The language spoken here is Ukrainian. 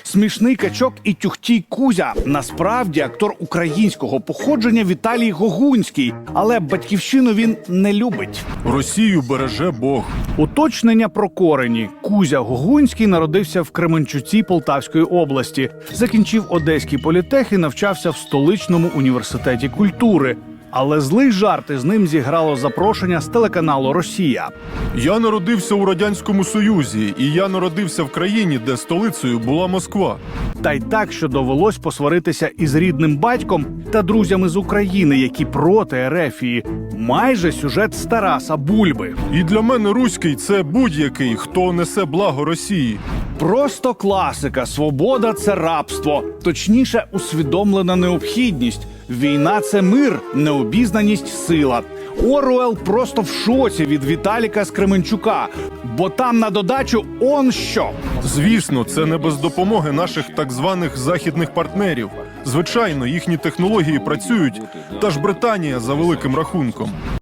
Смішний качок і тюхтій Кузя. Насправді актор українського походження Віталій Гогунський. Але батьківщину він не любить. Росію береже Бог. Уточнення про корені. Кузя Гогунський народився в Кременчуці Полтавської області. Закінчив Одеський політех і навчався в столичному університеті культури. Але злий жарт із ним зіграло запрошення з телеканалу «Росія». Я народився у Радянському Союзі, і я народився в країні, де столицею була Москва. Та й так, що довелось посваритися із рідним батьком та друзями з України, які проти ерефії. Майже сюжет з Тараса Бульби. І для мене руський – це будь-який, хто несе благо Росії. Просто класика. Свобода – це рабство. Точніше, усвідомлена необхідність. Війна – це мир, необізнаність – сила. Оруел просто в шоці від Віталіка з Кременчука. Бо там на додачу он що. Звісно, це не без допомоги наших так званих західних партнерів. Звичайно, їхні технології працюють, та ж Британія за великим рахунком.